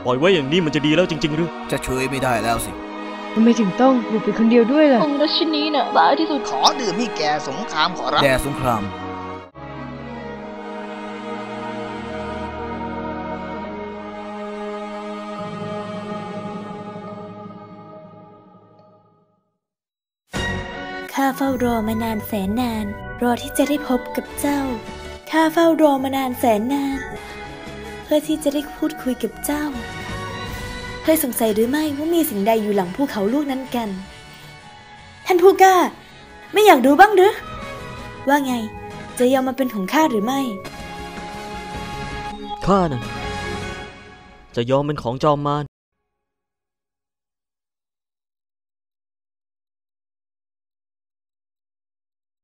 ปล่อยไว้อย่างนี้มันจะดีแล้วจริงๆหรือจะช่วยไม่ได้แล้วสิทำไมถึงต้องบุกไปคนเดียวด้วยล่ะองค์ราชินีน่ะบ้าที่สุดขอดื่มให้แกสงครามขอรับแด่สงครามข้าเฝ้ารอมานานแสนนานรอที่จะได้พบกับเจ้าข้าเฝ้ารอมานานแสนนานเพื่อที่จะได้พูดคุยกับเจ้าเคยสงสัยหรือไม่ว่ามีสิ่งใดอยู่หลังภูเขาลูกนั้นกันท่านผู้กล้าไม่อยากรู้บ้างหรือว่าไงจะยอมมาเป็นของข้าหรือไม่ข้าน่ะจะยอมเป็นของจอมมาร